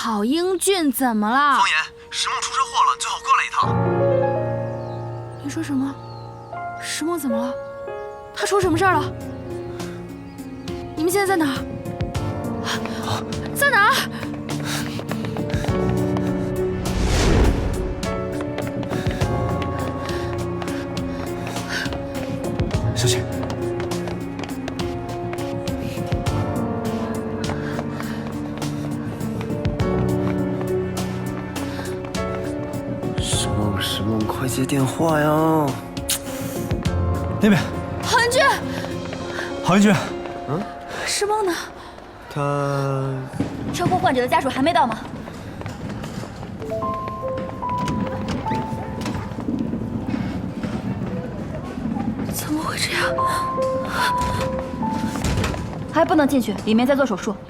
郝英俊怎么了？ 方言，石梦出车祸了，你最好过来一趟。 你说什么？石梦怎么了？他出什么事儿了？你们现在在哪儿？在哪儿？ 小姐， 石梦，快接电话呀！ 那边， 郝英俊， 郝英俊， 石梦呢？ 他车祸患者的家属还没到吗？ 怎么会这样？ 还不能进去，里面在做手术。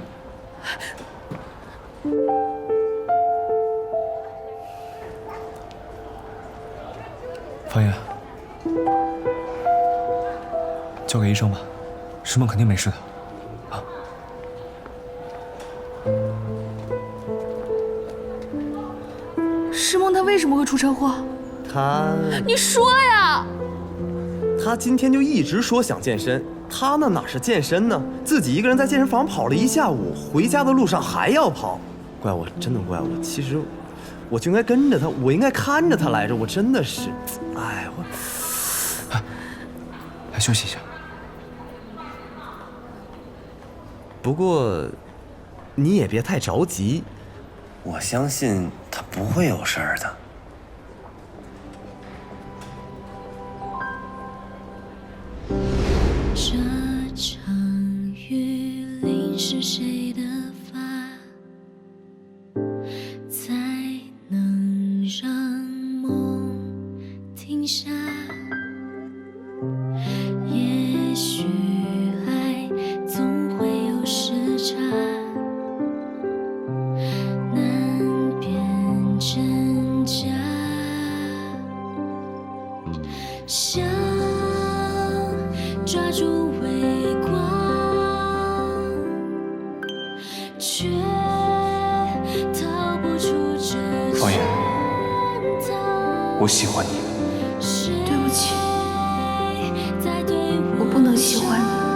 方言，交给医生吧，石梦肯定没事的。 石梦他为什么会出车祸？你说呀！ 他今天就一直说想健身，他那哪是健身呢？自己一个人在健身房跑了一下午，回家的路上还要跑，怪我，真的怪我。其实我就应该跟着他，我应该看着他来着，我真的是，哎， 来休息一下。 不过你也别太着急， 我相信他不会有事儿的。 这场雨淋湿谁的发，才能让梦停下？也许爱总会有时差，难辨真假。想抓住微光，却逃不出这方言， 圈套。 我喜欢你。 对不起，我不能喜欢你。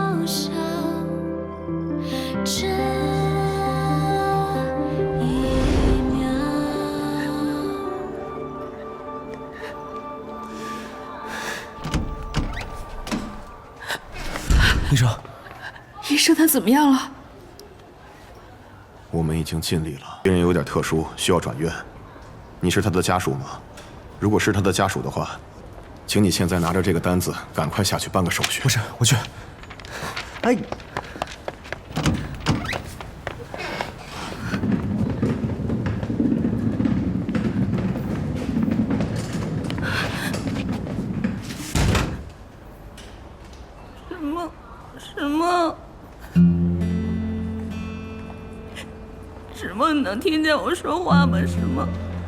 这一秒。 医生， 医生他怎么样了？ 我们已经尽力了。病人有点特殊，需要转院。你是他的家属吗？如果是他的家属的话，请你现在拿着这个单子，赶快下去办个手续。 不是，我去。 哎， 石梦，你能听见我说话吗？石梦，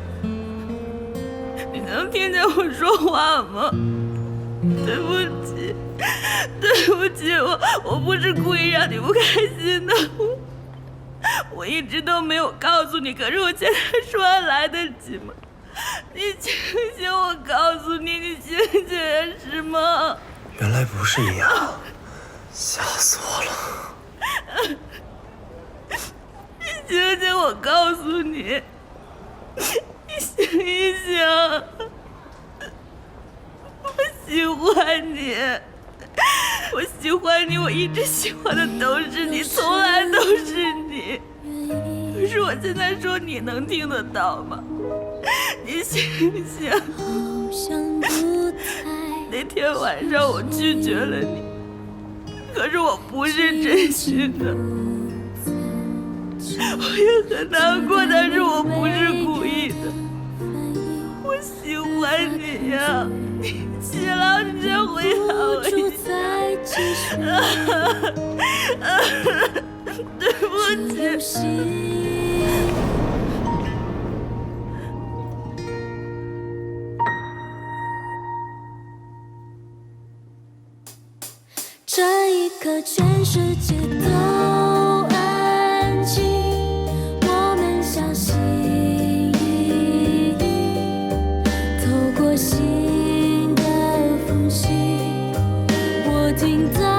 你能听见我说话吗？对不起，对不起，我不是故意让你不开心的，我一直都没有告诉你，可是我现在说还来得及吗？你醒醒，我告诉你，你醒醒啊，石梦。 原来不是你啊！吓死我了！ 你醒醒，我告诉你，你醒一醒，我喜欢你，我喜欢你，我一直喜欢的都是你，从来都是你。可是我现在说，你能听得到吗？你醒醒！那天晚上我拒绝了你，可是我不是真心的，我也很难过，但是我不是故意的。我喜欢你呀，你起来，你先回答我一下。对不起。 这一刻，全世界都安静，我们。 停在